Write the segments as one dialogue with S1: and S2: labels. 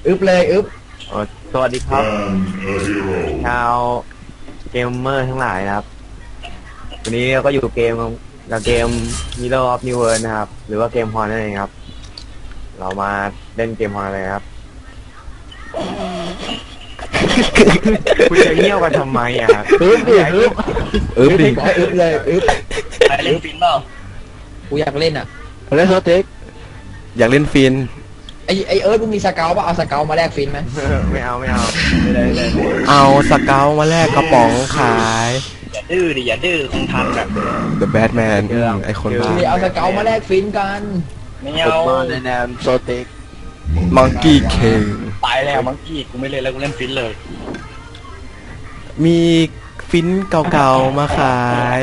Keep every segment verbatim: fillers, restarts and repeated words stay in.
S1: อึบเลยอึบ
S2: สวัสดีครับชาวเกมเมอร์ทั้งหลายนะครับวันนี้เราก็อยู่เกมกับเกม Hero of New World นะครับหรือว่าเกมฮอนนั่นเองครับเรามาเล่นเกมฮอนเลยครับคุณจะเงี่ยวกันทำไมอ่ะ
S1: อึบดิอึบ
S3: อึบดิ
S1: อึบเลยอึบ
S4: ไปเล่นฟินเปล่า
S1: กูอยากเล่นอ่ะ
S3: เล่นโซเทคอยากเล่นฟิน
S1: ไอไอเอิร์ธมึงมีสเกลป่ะเอาสเกลมาแลกฟินไหม
S2: ไม่เอาไม่เอาไม่ได้เลย
S3: เอาสเกลมาแลกกระป๋องขาย
S4: อย่าดื้อดิอย่าดื้อคงทันแบบ
S3: The Batman ไอคนบ้า
S1: เอาสเกลมาแลกฟินกัน
S4: ไม่เอา
S2: ในแนวโซเทค
S3: มังกี้เค
S4: ตายแล้วมังกี้กูไม่เล่นแล้วกูเล่นฟินเลย
S3: มีฟินเก่าๆมาขาย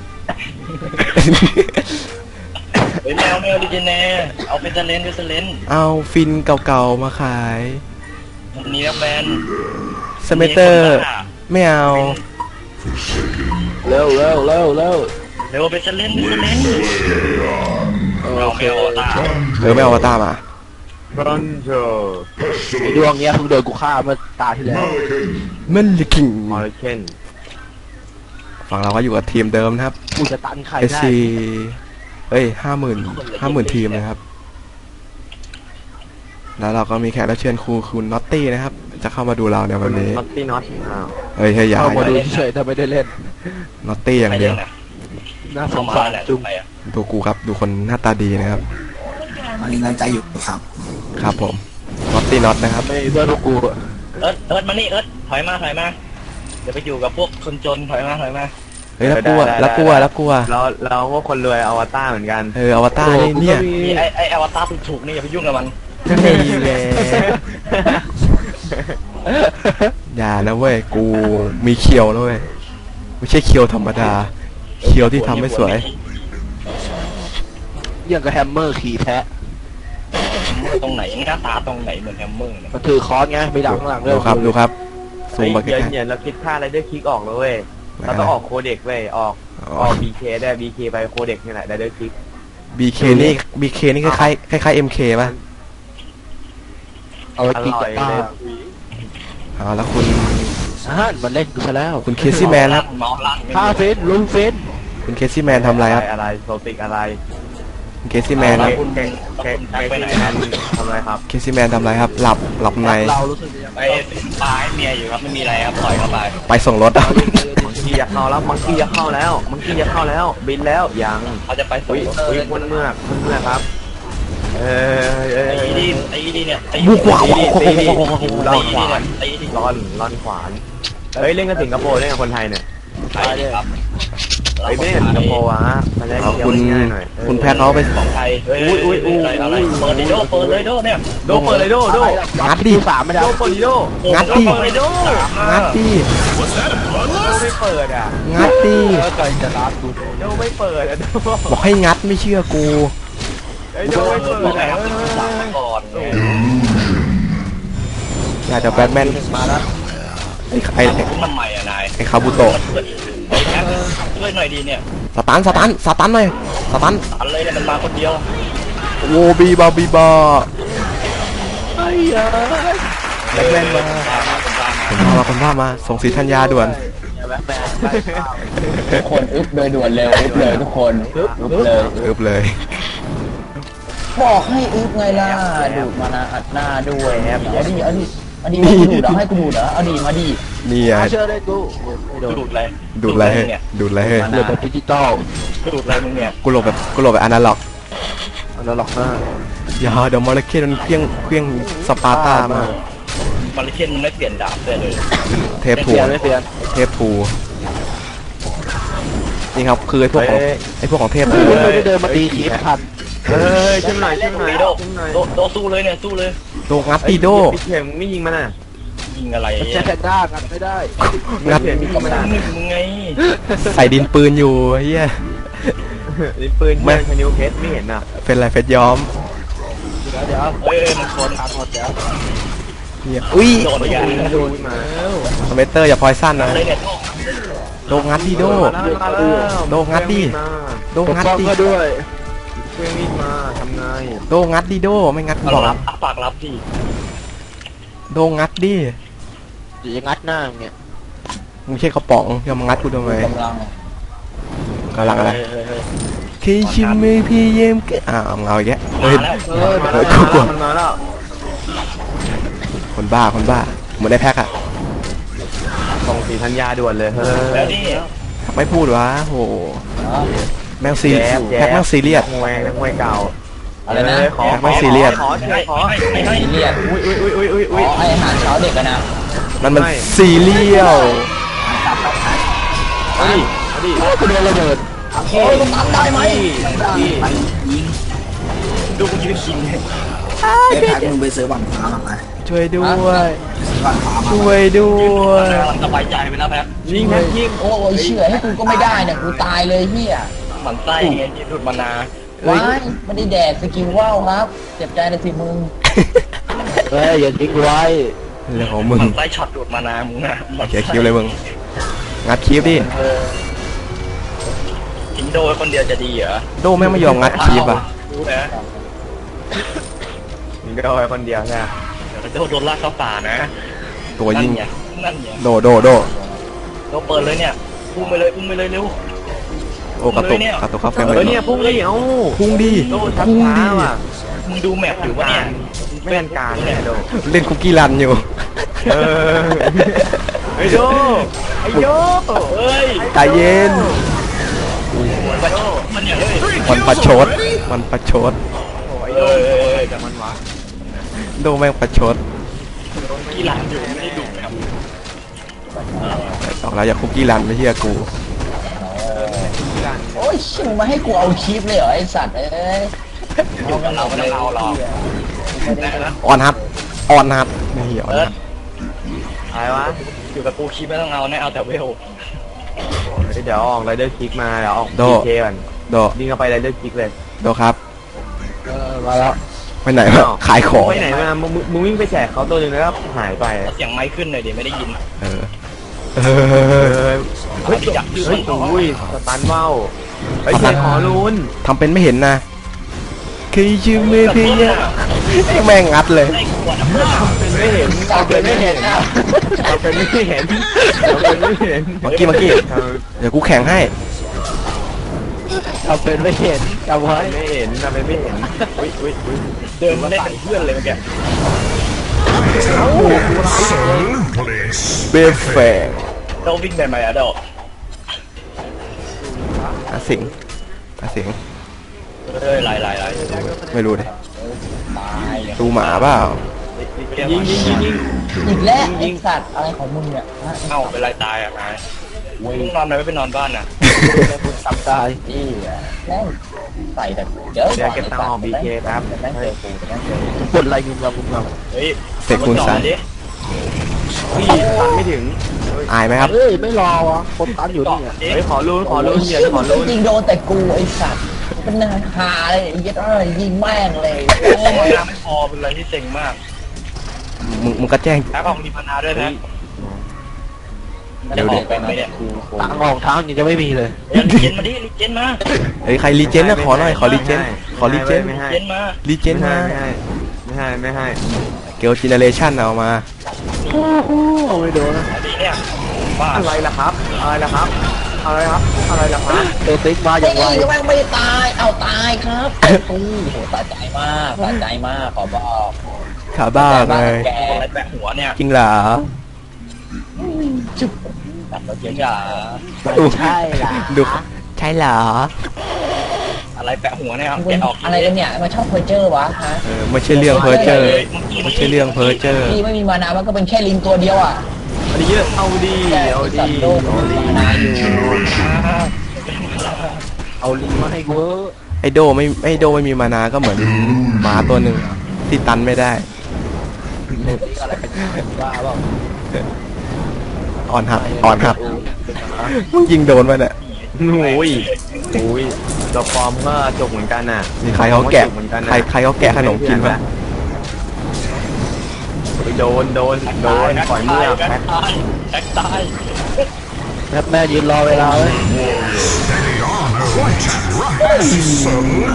S4: เฮ้ยแมวแมวดิเจเน่เอาเป็นเซเลนเป็นเซเลน
S3: เอาฟินเก่าๆมาขาย
S4: นี่นะแฟน
S3: สเมเตอร์ไม่เอา
S2: เร็วเร็วเร็วเร็ว
S4: เร็วเป็นเซเลนเป็นเซเลนเราไม่เอาตา
S3: เออไม่เอาตามา
S2: รันเจอ
S1: ไอดวงเนี้ยเพิ่งโดนกูฆ่าเมื่อตาที่แล้ว
S3: มันลิคิง
S2: มอร์เคน
S3: ฝั่งเราก็อยู่กับทีมเดิมนะครับ
S1: กูจะตันใครได้
S3: เอส ซี เอ้ยห้าหมื่นห้าหมื่นทีมนะครับแล้วเราก็มีแขกรับเชิญครูคุณน็อตตี้นะครับจะเข้ามาดูเราในวันนี้
S2: น็อตตี้น็อต
S3: เฮ้ยเฮ้ยอย่า
S1: เข้ามาดูเฉยๆถ้าไม่ได้เล่น
S3: น็อตตี้อย่างเดียว
S1: น่าสงสารจุ๊บ
S3: ดูกูครับดูคนหน้าตาดีนะครับ
S1: อันนี้งานใจอยู่ครับ
S3: ครับผมน็อตตี้น็อตนะครับ
S1: ไม่เพื่อนกู
S4: เอิร์ธเอิร์ธมานี่เอิร์ธถอยมาถอยมาเดี๋ยวไปอยู่กับพวกคนจนถอยมาถอยมา
S3: เฮ้ยแล้วกลัวแล้วกลัวแล้วกลัว
S2: เราเราพวกคนรวยอวตารเหมือนกัน
S3: เอออวตารนี่เนี่ย
S4: ไอไออวตารถูกๆนี่อย่าไปยุ่งกับมัน
S3: ไม่เลยอย่านะเว้ยกูมีเคียวนะเว้ยไม่ใช่เคียวธรรมดาเคียวที่ทำให้สวย
S1: อย่างกับแฮมเมอร์ขี่แพะ
S4: ตรงไหนหน้าตาตรงไหนเหมือนแฮมเมอร์เนี่ย
S1: ก็ถือค้อนไงไม่ดังข้างหลังเลย
S3: ดูครับดูครับซูมมาแค่
S2: เย็นๆเราคิดค่าอะไรด้วยคลิกออกเลยเว้ยเราต้องออกโคเด็กเว้ยออกออก บี เค ได้ บี เค ไปโคเด็กนี่แหละได้ด้วยคลิก
S3: บี เค นี่ บี เค นี่คล้ายคล้ายคล้าย เอ็ม เค ป่ะ
S1: เอาไว้กินกับป้า
S3: เอาแล้วคุณ
S1: อ่ามันเล่นกูซะแล้ว
S3: คุณเคซี่แมนครับ
S1: ฆ่าเฟนลุงเฟน
S3: คุณเคซี่แมนทำอะไรครับ
S2: อะไรโซติกอะไร
S3: คุณเคซี่แมนครับ
S2: คุณเคซี่แมนทำอะไรครับ
S3: เคซี่แมนทำอะไรครับหลับหลับใน
S4: เรารู้สึกไปตายเมียอยู่ครับไม่มีอะไรครับปล่อยเข้าไป
S3: ไปส่งรถอ่ะ
S2: มังกี้จะเข้าแล้วมังกี้จะเข้าแล้วมังกี้จะเข้าแล้วบินแล้วยัง
S4: เขาจะไปส่งรถ
S2: อุ้ยคนเมื่อคนเมื่อครับเออไอ้
S4: ดีไอ้ดีเนี่ย
S3: บุกขวา
S2: ตีดีล่อนขวานล่อนล่อนขวานเฮ้ยเล่นกับสิงคโปร์เล่นกับคนไทยเนี่ย
S4: ไทยครับ
S2: ไอ้เล่นกับสิงคโปร์อ่ะมันได้เที่ยวง่ายหน่อย
S3: คุณแพ้เขาไป
S4: ของไทยอุ้ยอุ้ยอุ้ยอะไรเปิดดิโดเปิดเลยโดเนี่ย
S2: โดเปิดเลยโดโด
S3: งัดดิ
S1: สามไม่ได้
S2: โดเปิดดิโด
S3: งัดดิงัดดิ
S2: ไม่เปิดอ่ะ
S3: งัดดิ
S1: ใจจะรับกู
S2: โดไม่เปิดอ่ะ
S3: บอกให้งัดไม่เชื่อกู
S2: ไอ้โดไม่เปิดอ่ะ
S4: ก่อน
S3: อยากจะแบทแมน
S4: มาแล้ว
S3: ไอ้ไอ้
S4: มันใหม่อ่ะนาย
S3: ไอ้คาบุโตะ
S4: ช่วยหน่อยดีเนี่ย
S3: สตันสตันสตันหน่อยสตัน
S4: สตันเลยเนี่ยมันมาคนเดียว
S3: โวบีบาบีบา
S1: ไอ้ยา
S3: แบทแมนมาคนพามาคนพามาส่งสีธัญญาด่วน
S1: ทุกคนอึบเลยด่วนเร็วอึบเลยทุกคนอึบเลย
S3: อึบเลย
S1: บอกให้อึบไงล่ะดูดมานาอัดหน้าด้วยครับเอาดิเอาดิเอาดิให้กูดูดเหรอให้กูดูดเหรอเอาดิมาดิ
S3: นี่ไง
S1: เชื่อได้กู
S4: ดูดอะไร
S3: ดูดอะไรดูดอะไรเฮ้ย
S1: หลบแบบดิจิตอล
S4: ดูดอะไรมึงเนี่ย
S3: กูหลบแบบกูหลบแบบอนาล็อก
S1: อนาล็อกนะ
S3: อย่าเดี๋ยวมอลเลกุลมันเพี้ยงเพี้ยงสปาร์ตามาก
S4: มอลเลกุลมันไม่เปลี่ยนดาบเลย
S3: เทปทู
S1: ไม่เปลี่ยน
S3: เทปทูนี่ครับคือไอ้พวกของไอ้พวกของเทพทู
S1: ไม่ได้เดินมาตีขีดพัน
S2: เฮ้ยช่วยหน่อยช่วยหน่อย
S4: โดโดสู้เลยเนี่ยสู้เลย
S3: โดงัดตีโด
S2: พี่เข็มไม่ยิงมันอ่ะ
S4: ยิงอะไร
S1: แค่แพนด้างัดไม่ได้
S3: งัด
S4: หนึ่งมึงไง
S3: ใส่ดินปืนอยู่เฮีย
S2: ดินปืนไม่ชนิวเพชรไม่เห็นอ่ะ
S3: เป็นไรเพชรย้อม
S1: เดี๋ยวเดี๋ยว
S4: เฮ้ยมันชนขาดหมดแล้ว
S3: เฮียอุ้ย
S4: โดนอย่าง
S2: โดนมา
S3: สเมเตอร์อย่าพอยสั้นนะโดงัดดิโดโดงัดดิโดงัดดิ
S1: ด้วย
S2: เพื่อนวิ่งมาทำไง
S3: โดงัดดิโดไม่งัดกูบอก
S4: รับปากรับดิ
S3: โดนงัดดิ
S5: เดี๋ยวจะงัดหน้ามึงเนี่ย
S3: มึงใช่กระป๋องจะมางัดกูทำไม
S1: กำลัง
S3: กำลังอะไร
S4: เฮ้ยเฮ้ยเฮ้ย
S3: เคยชิมมือพี่เยี่ยมกันอ้าวเอาเอาอีกแล้วเฮ้ย
S4: มาแล้ว
S2: เฮ้ยมาแล้ว
S3: เฮ้ยกูกลัว
S2: มันมาแล้ว
S3: คนบ้าคนบ้าเหมือนได้แพ็คอะ
S2: ส่งสีธัญญาด่วนเลยเฮ้
S4: แล้ว
S2: ย
S4: นี่
S3: ไม่พูดวะโหแม่งซี
S2: แจ๊บแจ๊บ
S3: แพ็คแม่งซีเรียส
S2: นักมวยนักมวยเก่า
S1: อะไรนะ
S2: เฮ้ยขอ
S3: แพ็คไม่ซีเรียส
S2: ขอขอขอ
S4: ไม่ให้
S1: ซีเรียส
S2: อุ้ยอุ้ยอุ้ยอุ้ยอุ้ย
S1: อ๋
S2: อุ้
S1: อย ไออาหารเช้าเด็กกันนะ
S3: มันมัน
S2: ไม่
S3: ซีเรียล
S2: เอาดิเอาดิ
S5: กูโดนระเบิด
S1: โอ้ยมันตัดได้ไหม
S2: พี่
S4: ดูกูยืนกินเนี่ย
S6: ไอ้แพ็คมึงไปซื้อบังฟ้ามาไหม
S3: ช่วยด้วย
S6: ซื้อบังฟ้ามา
S3: ช่วยด้วย
S4: มันสบายใจไปแล้วแป๊บ
S2: ยิงแพ็คยิง
S1: โอ้ยเชื่อให้กูก็ไม่ได้เนี่ยกูตายเลยเฮีย
S4: หมันไส้ไงที่ดูดมานา
S1: ว้ายไม่ได้แดกสกิลว่าวครับเจ็บใจนะสิมึง
S5: เฮ้ยอย่าทิ้งไว้
S3: เรื่องของ
S4: ห
S3: มึง
S4: มันไส้ช็อตดูดมานามึงนะหมั่น
S3: เขีย
S4: ไส้
S3: คิวเลยมึงงัดคลิปดิ
S4: เออทิ้งโดยคนเดียวจะดีเหรอ
S3: โดแม่งไม่ยอมงัดคลิปอ่ะ
S4: รู้นะ
S2: ยิงก็เอาไว้คนเดียวใช่ไหม
S4: เดี๋ยวโดนโดนลากเข้าป่านะ
S3: ตัวยิง
S4: นั่นไงนั่นไง
S3: โดโดโด
S4: เราเปิดเลยเนี่ยอุ้มไปเลยอุ้มไปเลยเร็ว
S3: โอ้กระตุกกระตุกเข้าเฟรม
S2: เอ
S3: เล
S2: อย เนี่ยพุ่งเลยเอ้า
S3: พุ่งดิ
S2: โดนทับ
S3: พุ่ง
S2: ช้า
S3: ดิ
S2: ว่ะ
S4: มึงดูแมปอยู่ปะเนี่ย
S2: ไม่เป็นการเนี่ยโด
S3: เล่นคุกกี้รันอยู่
S2: เออไอ้โดไอ้โด
S4: เฮ้ย
S3: ใจเย็น
S4: มันมันเนี่ยเฮ้ย
S3: มันประชดมันประชด
S2: โอ้ย
S4: เอ
S2: โด
S4: อ
S2: แต่มันวะ
S3: โดแม่งประชด
S4: กีฬาอยู่ไม่ได้ดูแมป
S3: บอกแล้วอย่าคุกกี้รันไม่เชื่อกู
S1: โอ้ยชิมึงมาให้กูเอาคลิปเลยเหรอไอสัตว์เอ้ย
S4: อยู่กับเราไม่ต้องเอาหรอกนะนะ
S3: ออนฮับออนฮับไม่เหี้ยออน
S4: เอิร์
S3: ฮั
S4: ธ
S3: บ
S2: อะไรวะ
S4: อยู่กับกูคลิปไม่ต้องเอานะเอาแต่เวล
S2: เดี๋ยวออกไรเดอร์คิกมาเดี๋ยวออก
S3: โด
S2: พีเคก่อน
S3: โด
S2: ยิงเข้าไปไรเดอร์คิกเลย
S3: โดครับ
S5: เออมาแล้ว
S3: ไปไหนวะขายของ
S2: ไปไหนมามึงมึงมึงวิ่งไปแจกเขาตัวหนึงแล้วก็หายไป
S4: เสียงไม้ขึ้นหน่อยเดี๋ยวไม่ได้ยิน
S3: เออเอ
S2: เอ
S3: อ
S2: อเฮ้ยจับเฮ้ยโอ้ยสตันว่าวเฮ้ยเสียงขอรุน
S3: ทำเป็นไม่เห็นนะคือชื่อมือพี่เนี่ยแม่งงัดเลย
S4: ได้ขวดน้ำเปล่า
S2: เป็นไม่เห็น
S1: จับเลยไม่เห็นนะ
S2: เราเป็นไม่เห็นเราเป็นไม่เห็น
S3: เมื่อกี้เมื่อกี้เดี๋ยวกูแข่งให้
S5: ทำเป็นไม่เห็นจำไว้
S2: ไม่เห็นเราเป็นไม่เห็นอุ้ยอุ้ยอุ้ย
S4: เดินมาเล่นเป็นเพื่อนเลยเมื่อกี้
S3: เบฟแฟง
S4: เราวิ่งได้ไหมอะเดอก
S3: อาสิงอาสิง
S4: เอ้ยไล่ไล่ไล่
S3: ไม่รู้เลย
S1: ตายเลย
S3: ดูหมาเปล่า
S2: ยิงยิงยิงยิง
S1: อีกแล้วไอสัตว์อะไรของมึงเนี่ยฮะ
S4: เอ้าเป็นไรตายอ่ะนายมึงนอนไหนไม่ไปนอนบ้านน่ะ
S5: สับตาย
S1: นี่อะแม่งใส่แต่เดี๋ยว
S2: เดี๋ยวเก็บตังค์ออกบีเคครับ
S1: แม่งเจอกูแม่งเจอกู
S5: กดอะไรงุมงำงุมง
S4: เฮ้ย
S3: เสกคุณใส่
S4: ดิ
S2: พี่ตันไม่ถึง
S3: อายไหมครับ
S5: ำเฮ้ยไม่รอวะคนตันอยู่นี่ไง
S4: ดิ
S2: เฮ้ยขอรุนขอรุน
S1: โย
S2: เดี๋ยวขอรุน
S1: ยิงโดนแต่กูไอสัตว์เป็นหาเลยไอ้เหี้ยัดอะไรยิงแม่งเลย
S4: โอ้ยน้ำไม่พอเป็นอะไรที่เซ็งมาก
S3: มึงมึงก็แจ้ง
S4: แพ้ของมีพนาด้วยนะ
S3: เดี๋ยวดิ
S4: ไปไหมเนี่ย
S5: ตังค์ออกเท้านี่จะไม่มีเลย
S4: เฮ้ยลิเจนมาดิลิเจนมา
S3: เฮ้ยใครรีเจนนะขอหน่อยขอรีเจนขอรีเจน
S2: ไม่ให้
S4: ลิเจนมา
S3: รีเจน
S2: ไม่
S3: มา
S2: ให้ไม่ให้ไม่ให้
S3: เกลจิเนเรชั่นเอามา
S5: โอ้โหไม่โดนนะ
S4: เอาดิเนี่ยบ้า
S2: อะไรล่ะครับอะไรล่ะครับอะไรครับอะไรล่ะครับ
S5: เออติ๊กมาอ
S1: ไอ้
S5: ย่างไว
S1: นี่ก็แม่งไม่ตายเอาตายครับโอ้โหสะใจมากสะใจมากขอบอก
S3: ขาบ้าไง
S1: แก
S4: อะไรแปะหัวเนี่ย
S3: จริงเหรอ
S1: จุ๊บตัดรถเก๋งอ่ะ
S5: ใช่ล่ะ
S3: ดูใช่เหรอ
S4: อะไรแปะหัวเนี่ยครับ
S1: มึ
S4: แกะ
S1: ง
S4: ออก
S1: อะไรกันเนี่ยมาชอบเพอร์เจอร์วะฮะ
S3: เออไม่ใช่เรื่องเพอเจอร์ไม่ใช่เรื่องเพอเจอร์
S1: พี่ไม่มีมานามันก็เป็นแค่ลิงตัวเดียวอ่ะ
S2: เอาดีเอาดีเอาดี
S1: สัตว์โลก
S2: เอา
S1: มี
S2: ดี
S1: มานาอยู่
S5: เอาลิงมาให้กู
S3: ไอโดไม่ไอโดไม่มีมานาก็เหมือนหมาตัวหนึ่งที่ตันไม่ได้
S5: บ้าเปล่า
S3: อ่อนหับอ่อนหับมึงยิงโดนไปเนี่ย
S2: โอ้ยโอ้ยตัวปลอมก็จบเหมือนกันน่ะ
S3: นี่ใครเขาแกะ
S2: เหมือนกัน
S3: ใครใครเขาแกะขนมกินปะ
S2: โดนโดนโดนปล่อยเมื่อ
S4: แบ็
S2: แพ็
S4: ค
S2: ค
S4: ตายแบ็คตาย
S5: แม่แม่ยืนรอเวลาไว้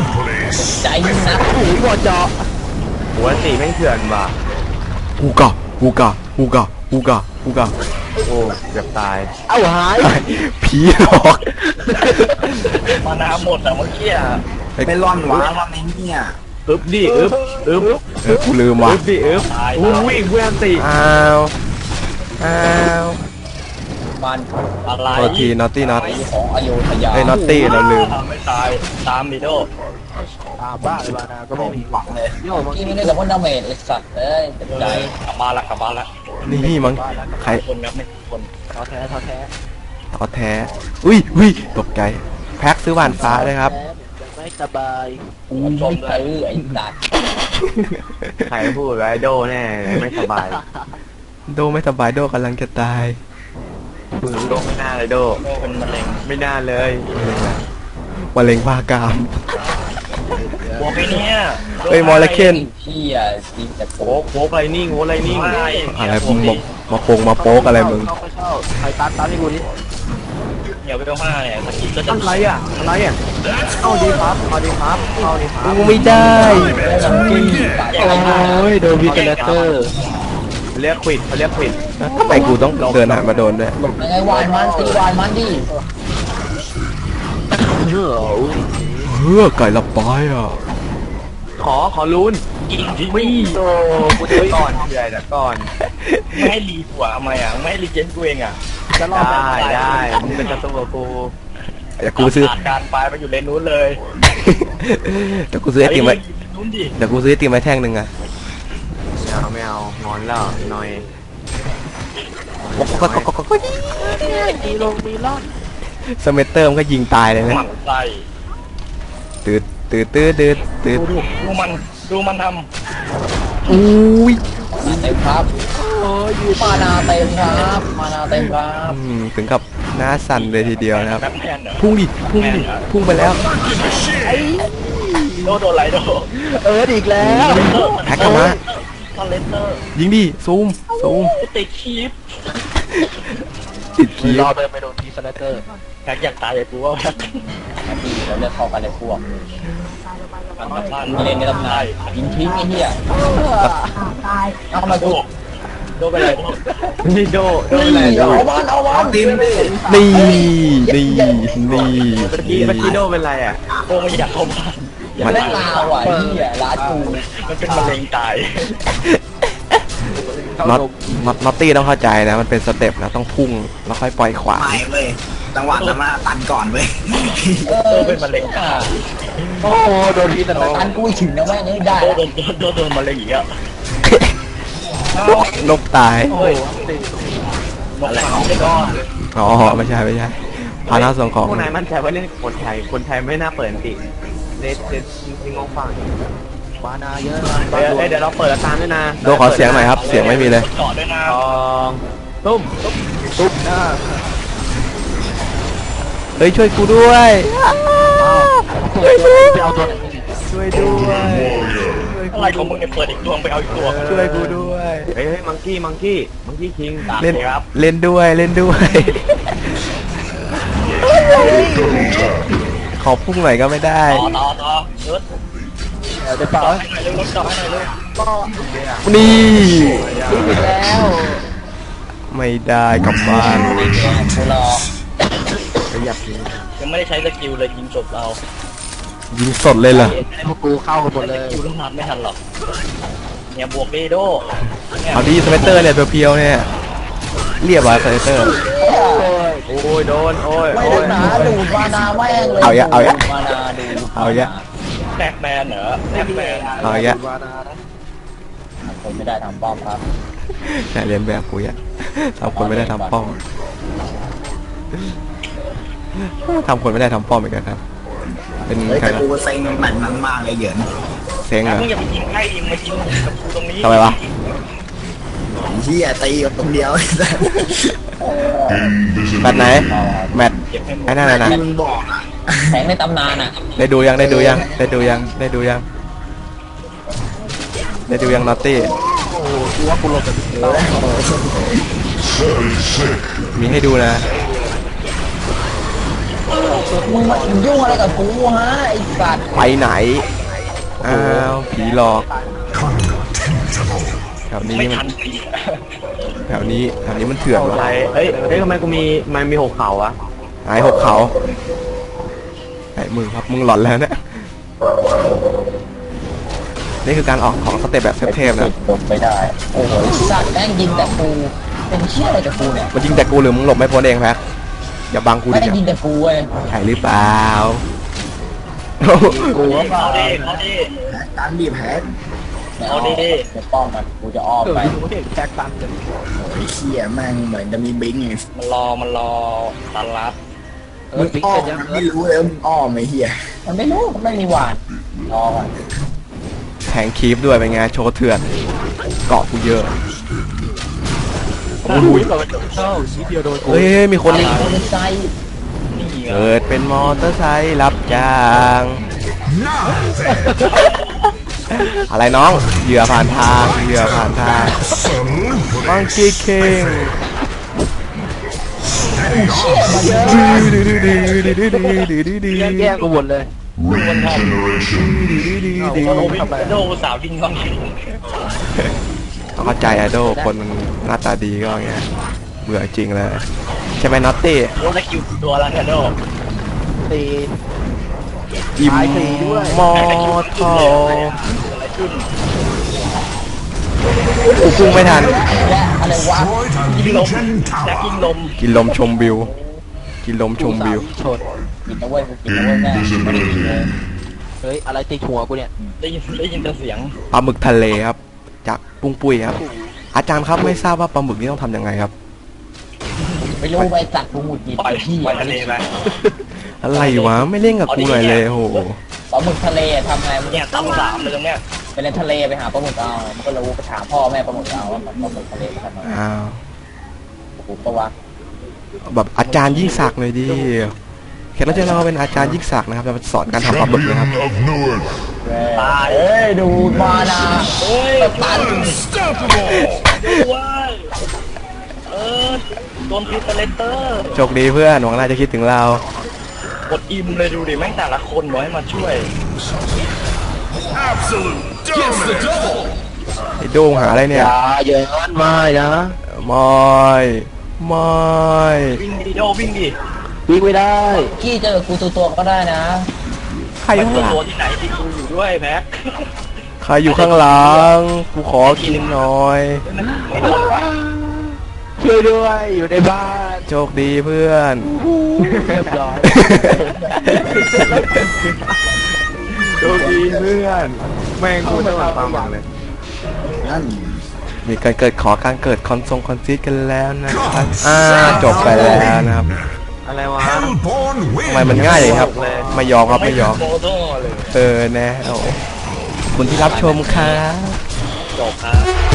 S1: ใจยิ่งนัก
S5: หูหัวเจาะ
S2: หัวสีแม่งเถื่อนว่ะ
S3: กูก็ฮูกะฮูกะฮูกะฮูกะ
S2: โอ้เกือบตาย
S5: เอ้าหาย
S3: ผีหลอก
S4: มานาหมดแต่เมื่อกี้อะ
S6: ไม่ร่อนหวานร่อนในเนี่ย
S2: อึบดิอึบอึบ
S3: เออกูลืมว่ะ
S2: อึบดิอึบอู้วิ่งเพื่อนตี
S3: อ้าวอ้าว
S1: มัน
S4: อะไร
S3: โทษทีนอตตี้น็อต
S1: ของอโยธยา
S3: เอ้ยน็อตตี้เราลืม
S4: ไม่ตายตามมิโด
S5: ตามบ้าเลยบานาก็ไม่มี
S6: หวังเลย
S5: โย่มัง
S1: ที่
S5: กี้
S1: ไม่ได้กับว่าดาเมจไอ้สัตว์เอ้ยเจ็บใจ
S4: กลับบ้านละกลับบ้านละ
S3: นี่มั้งใคร
S4: คนครับไม่คน
S5: ท้อแท้ท้อแท้
S3: ท้อแท้ อุ้ยอุ้ยตกใจ แพ็คซื้อหวานฟ้าเลยครับ
S5: ไม่สบาย
S1: กูไม่ซื้อไอ้สัตว์
S2: ใครพูดไว้โดแน่ไม่สบาย
S3: โดไม่สบายโดกำลังจะตาย
S2: โดไม่น่าเลยโด
S4: โดเป็นมะเร็ง
S2: ไม่น่าเลย
S3: มะเร็งบ้ากาม
S4: บวกไอ้เนี่ย
S3: เฮ้ยมอลเลเคน
S1: เที่ยจริงแต่โก
S2: โอ้โหไรนิ่งโอ้ไรนิ่ง
S3: อะไรมึงบอกมาโปงมาโป๊กอะไรมึง
S5: เข้าไปเข้าใครตามตามให้กูนี่
S4: เดี๋ยวไปเอาห้าเนี่ยสกิลก็จะ
S2: อะไรอ่ะอะไรอ่ะเอาดีครับเอาดีครับเอาดีครับ
S3: กูไม่ได้
S1: จังกี้ปาก
S5: โอ้ยโดนวิกเนเตอร์
S2: เรียกควิดเขาเรียกควิด
S3: ทำไมกูต้องเดินหามาโดนด้วย
S1: ยังไงวานมันตีวานมันดิ
S5: เฮ้ย
S3: เฮ้อไก่ละปายอ่ะ
S2: ขอขอลุ้น
S4: กินที่
S2: วิ่
S4: นี่
S2: งโตกูจะก่อนใหญ่แต่ก่อน
S4: ไม่ให้รีหัวทำไมอ่ะไม่ให้รีเจนกูเองอ่ะ
S5: จะรอด
S2: ได้ได้มึงเป็นศัตรูกับกู
S3: เดี๋ยวกูซื้อ
S4: ขาดการไปไปอยู่เลนนู้นเลย
S3: เดี๋ยวกูซื้อไอติมไว้
S4: นู้นดิ
S3: เดี๋ยวกูซื้อไอติมไว้แท่งหนึ่งอะ
S2: ไม่เอาไม่เอางอนแล้วหน่อย
S3: ก็ก็ก็ก็
S5: มีลงมีล่อน
S3: สเมเตอร์มันก็ยิงตายเลย
S4: ห
S3: นะ
S4: มั่นไส้
S3: ตืดตืดตืดตืดตืด
S4: ดูดูมันดูมันท
S3: อุ้ย
S1: มาเต็มครับมานาเต็มครับมานาเต็มครับ
S3: อืมถึงกับหน้าสั่นเลยทีเดียวนะครับ
S4: ำแบทแมนเหรอ
S3: พุ่งดิพุ่งดิพุ่งไปแล้ว
S4: โดโดนไหลโด
S5: เอิร์ดอีกแล้ว
S3: แพ็คกลับมา
S4: คอนเลนเตอร์
S3: ยิงดิซูมซูม
S4: ติดคีฟ
S3: ติดคี
S5: ร
S3: ย์
S5: อเดินไปโดนทีสแลเตอร์
S4: แพ็กอยากตายอยากกูว่าแพ็ก
S1: ดีเราเลือกเข้ากันเลยพวก
S4: มันกลับบ้าน
S1: มีเลนในตำนานยิงทิ้งไอ้เหี้ยเอามาดู
S4: โดนไปเลย
S2: นี่โดโดนอะไร
S1: นี่
S2: โด
S1: เอามันเอามั
S6: เอา
S1: น
S6: ติมดิ
S3: นี่นี่นี่
S2: เมื่อกี้เมื่อกี้โดเป็นไรอ่ะ
S4: โอ้ไม่อยากเข้าบ้าน
S1: มันได้ลาวอ่ะไอ้เหี้ยร้านกู
S4: มันเป็นมะเร็งตาย
S3: น็อตน็อตน็อตตี้ต้องเข้าใจนะมันเป็นสเต็ปนะต้องพุ่งแล้วค่อยปล่อยขวา
S6: ไม่เว้ยจังหวะนั้นมาตันก่อนเว้ย
S1: เอ
S4: โด
S1: อน
S4: เป็นมะเร็งตาย
S5: โอ้โดนทีสแลเตอ
S1: อัน
S5: ร์
S1: กูถึงนะแม่งได้
S4: โดนโดนโดนโดนมะเร็งอีกอ่ะ
S3: นกตาย
S4: โอ้ยนกเขาไม่รอด
S3: อ๋อไม่ใช่ไม่ใช่พาหน้าส่งของ
S2: พวกนายมั่นใจว่าเล่นคนไทยคนไทยไม่น่าเปิดอันติเลสเลสทิ้งงงฟัง
S5: บานาเยอะ
S2: เดี๋ยวเดี๋ยวเราเปิดตามด้วยนะ
S3: โดขอเสียงหน่อยครับเสียงไม่มีเลย
S4: เกาะด้วยนะ
S2: สองตุ้ม
S5: ตุ๊บหน้า
S3: เฮ้ยช่วยกูด้วย
S5: ช่วยด้วยไปเอาตัวไหน
S3: ช่วยด้วย
S4: อะไรของมึงเนี่ยเปิดอีกดวงไปเอาอีกตัว
S3: ช่วยกูด้วย
S2: เฮ้ยมังกี้มังกี้มังกี้คิง
S3: เล่น
S4: ครับ
S3: เล่นด้วยเล่นด้วย ขอพุ่งหน่อยก็ไม่ได้
S4: ต่อต่อต่อรถ
S5: เดี๋ยวเปล่า
S4: ต่อให้หน่อยเร็วรถต่อให้หน่อยเร็ว
S3: นี่
S5: อีกแล้ว
S3: ไม่ได้กลับบ้าน
S1: กูรอ
S2: ขยับทิ้ง
S4: ยังไม่ได้ใช้สกิลเลยยิงจบเรา
S3: ยิงสดเลยเหรอ
S5: พวกกูเข้ากันหมดเลย
S4: สกิลต้องนับไม่ทันหรอกเนี่ยบวกเดโดเนี่ย
S3: เอาดีสเปเตอร์เนี่ยเพียวๆเนี่ยเรียบร้อยสเปเตอร์
S2: โอ้ยโดนโอ้ย
S1: ไม่
S2: โอ้
S1: ได้
S2: ย
S1: หนาดูดมานาแม่งเลย
S3: เอายะเอายะ
S1: มานาดู
S3: เอายะ
S4: แบ็คแมนเหรอแบ็คแมน
S3: เอาอีกอะ
S5: บานานะ
S1: ผมไม่ได้ทำป้อมครับ
S3: แต่เรียนแบบกูอะทำคนไม่ได้ทำป้อมทำคนไม่ได้ทำป้อมเหมือนกันครับเป็น
S6: เฮ้ย
S3: ใคร
S6: แต่
S3: นะ
S6: กูเซ็งแมตช์นั้นมากเลยเหยิน
S3: เซ็งเหรอ
S4: มึงอย่าไปยิงใกล้ยิงมายิงกับกูตรงนี้
S3: ทำไมวะ
S6: เฮียตีกับตรงเดียว
S3: แมตช์ไหนแมตช์
S4: เก็บให้หมด
S3: ไอ้นั่นน่ะนะ
S6: ที่มึงบอกอ่ะ
S1: แสงในตำนานอ่ะ
S3: ได้ดูยังได้ดูยังได้ดูยังได้ดูยังได้ดูยังนอตตี้
S5: โอ้โหกูว่ากูลงกับพี่เต้า
S3: มีให้ดูนะ
S1: มึงมายุ่งอะไรกับกูฮะไอ้สัตว์
S3: ไปไหนอ้าวผีหลอกแถวนี้
S4: ไม่
S3: มัน
S4: ทันที
S3: แถวนี้แถวนี้มันเถื่อน
S2: เอา
S3: วะ
S2: ไรเฮ้ยเฮ้ยทำไมกูมีมันมีหกเขาอะ
S3: หายหกเขาไอ้มึงครับมึงหลอนแล้วเนี่ยนี่คือการออกของสเต็ปแบบเทพๆนะ
S1: หลบไปได้โอ้โหสัตว์แม่งยิงแต่กูเป็นเชี่ยอะไรกับกูเนี่ย
S3: มันยิงแต่กูหรือมึงหลบไม่พ้นเองแพ็คอย่าบังกูดิ
S1: แม่งยิงแต่กูเว้ย
S3: ใช่หรือเปล่า
S5: กูว่าเปล่า
S4: เอาดิเอาดิ
S6: ตันดีแพ้
S4: เอาดิ
S1: เดี๋ยวป้อมมันกูจะอ้อม
S5: เกิด
S1: ไป
S5: กูเห็นแท็กตันเลย
S6: ไอ้เหี้ยแม่งเหมือนจะมีบิงไง
S4: มันรอมันรอตันรับ
S5: เอ
S6: มึ
S5: อง ปิ๊ก
S6: อ้อ
S5: เสร็
S6: ม
S5: จยัง
S6: มัน
S5: เอ
S6: ไม่
S5: อ
S6: รู้เลยว่ามึงอ้อมไอ้เหี้ย
S1: มันไม่รู้มันไม่มีหวานรอก่อน
S3: แทงคีฟด้วยเป็นไงโชว์เถื่อนเกาะกูเยอะโอ้ย
S5: เข้าชี้เดียวโดนกู
S3: เฮ้ยมีคน
S1: มอเตอร์ไซค์
S4: นี่ไง
S3: เกิดเป็นมอเตอร์ไซค์รับจ้าง อะไรน้องเหยื่อผ่านทางเหยื่อผ่านทางมังคีเคิง
S5: แย่งแย่งกูหมดเลย
S4: เอาโดวิ่งโดสาววิ่งเข้ามา
S3: ต้องเข้าใจอะโดคนมันหน้าตาดีก็อย่างเงี้ยเบื่อจริงเลยใช่ไหมน็อตตี้
S4: โดได้คิวตัวแล้วเนี่ยโด
S5: ตี
S3: อิม
S5: ตายฟรีด้วย
S3: มอทอกูพุ่งไม่ทัน
S1: และอะไรวะ
S4: ยิงลมแจ็คยิงลม
S3: กินลมชมวิว กินลมชมวิว
S5: ชน
S1: กินนะเว้ยกูกินนะเว้ยแม่ไม่ได้กินเลย
S5: เฮ้ยอะไรตีหัวกูเนี่ย
S4: ได้ยินได้ยินแต่เสียง
S3: ปลาหมึกทะเลครับ จากปุ้งปุ้ยครับ อาจารย์ครับไม่ทราบว่าปลาหมึกนี้ต้องทำยังไงครับ
S1: ไม่รู้ไปจัดกูหมุดกิน
S4: ปล่อย
S1: ที่
S4: ปล่อยทะเลไป
S3: อะไรวะไม่เล่นกับกูหน่อยเลยโอ้โห
S1: ปลาหมึกทะเลทำไงมัน
S4: เนี่ยตั้งสามเลยตรงเนี้ย
S1: ไปเล่นทะเลไปหาปลาหมึกเอามันก็รู้ไปถามพ่อแม่ปลาหมึกเอาว่าปลาหมึกทะเลไปทำไง
S3: อ้าว
S1: กูก็ว่า
S3: แบบอาจารย์ยิ่งศักดิ์เลยดิแขกรับเชิญเราเป็นอาจารย์ยิ่งศักดิ์นะครับจะมาสอนการทำปลาหมึกนะครับ
S1: ตายเอ้ยดูมานะ
S4: เฮ้ย
S1: ตัน
S4: ว้ายเออโดนพิสเลเตอร์
S3: โชคดีเพื่อนหวังน่าจะคิดถึงเรา
S4: กดอิมเลยดูดิแม่งแต่ละคนไว้มาช่วย
S3: ไอ้โดงหาอะไร
S5: อ
S3: เนี่ย
S5: ย่าอย่าอย่างนั้นไม่นะ
S3: ไม่ไม่
S4: วิ่งดีโดวิ่งดิ
S5: วิ่งไม่ได้
S1: กี้เจอกูตัวตัวๆก็ได้นะ
S3: ใครอยู่ข้างหลัง
S4: ตัวที่ไหนที่กูอยู่ด้วยแพ็ค
S3: ใครอยู่ข้างหลังกูขอกินหน่อย
S4: ไม่โดนวะ
S5: ช่วยด้วยอยู่ในบ้าน
S3: โชคดีเพื่อน
S5: เรียบร้อย
S3: โชคดีเพื่อนแม่งกูจะมาฟังบังเลย
S6: นั่น
S3: มีการเกิดขอการเกิดคอนทรงคอนซีดกันแล้วนะครับอ่าจบไปแล้วนะครับ
S2: อะไรวะ
S3: ทำไมมันง่ายเลยครับ ไม่ยอมครับไม่ยอม
S4: โมโต้เลย
S3: เออแน่เอาคุณที่รับชมครับ
S4: จบครับ